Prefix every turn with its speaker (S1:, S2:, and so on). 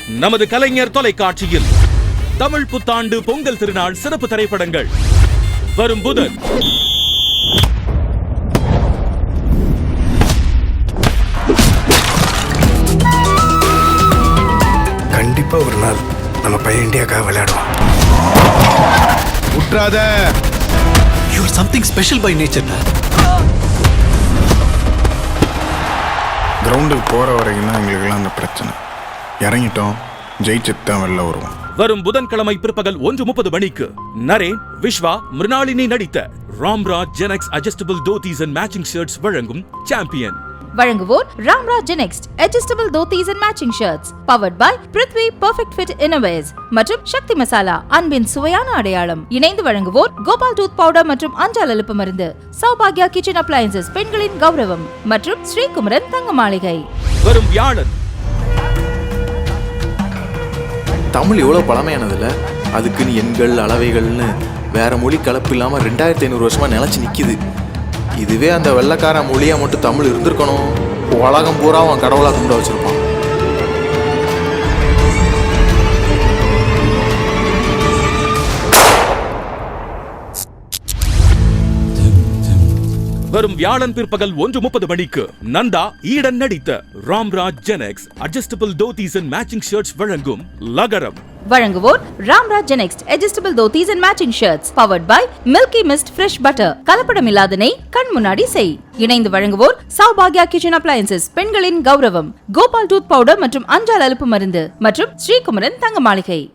S1: நமது கலைஞர் தொலைக்காட்சியில் தமிழ் புத்தாண்டு பொங்கல் திருநாள் சிறப்பு திரைப்படங்கள் வரும் புதன்.
S2: கண்டிப்பா ஒரு நாள் நம்ம பையன் இந்தியாக்காக விளையாடுவான்.
S3: உட்றாத.
S4: You are something special by nature.
S3: கிரவுண்டுக்கு போற வரைக்கும் தான் எங்களுக்கெல்லாம் அந்த பிரச்சனை. இறங்கிட்டோம், ஜெயிச்சுட்டு தான் வெளில வருவோம்.
S1: வரும் புதன்கிழமை பிற்பகல் 1:30 மணிக்கு நரேன், விஸ்வா, மிருணாளினி நடித்த Ramraj Genex adjustable dhotis and matching shirts வழங்கும் சாம்பியன்.
S5: வழங்குவோர் Ramraj Genex adjustable dhotis and matching shirts, powered by Prithvi perfect fit innovations மற்றும் சக்தி மசாலா, அன்பின் சுவையான அடையாளம். இணைந்து வழங்குவோர் கோபால் டூத் பவுடர் மற்றும் அஞ்சால் அலுப்பு மருந்து, சௌபாக்யா கிச்சன் அப்ளையன்சஸ் பெண்களின் கௌரவம் மற்றும் ஸ்ரீகுமரன் தங்க மாளிகை.
S1: வரும் வியாழன்.
S6: தமிழ் எவ்வளோ பழமையானதில்ல, அதுக்குன்னு எண்கள் அளவைகள்னு வேற மொழி கலப்பு இல்லாமல் 2500 வருஷமா நிலச்சி நிற்கிது. இதுவே அந்த வெள்ளைக்கார மொழியா மட்டும் தமிழ் இருந்திருக்கணும், உலகம் பூரா அவன் கடவுளாக கும்பிட வச்சிருப்பான்.
S1: வரும் வியாழன் பிற்பகல் 1:30 மணிக்கு நந்தா, ஈடன் நடித்த Ramraj Genex adjustable dhotis and matching shirts வழங்கும் லகரம்.
S5: வழங்குவோர் Ramraj Genex adjustable dhotis and matching shirts, powered by Milky Mist fresh butter, கலப்படம் இல்லாத நெய், கண் முன்னாடி செய். இணைந்து வழங்குவோர் சௌபாக்யா கிச்சன் அப்ளையன்சஸ் பெண்களின் கௌரவம், கோபால் டூத் பவுடர் மற்றும் அஞ்சால் அலுப்பு மருந்து மற்றும் ஸ்ரீகுமரன் தங்க மாளிகை.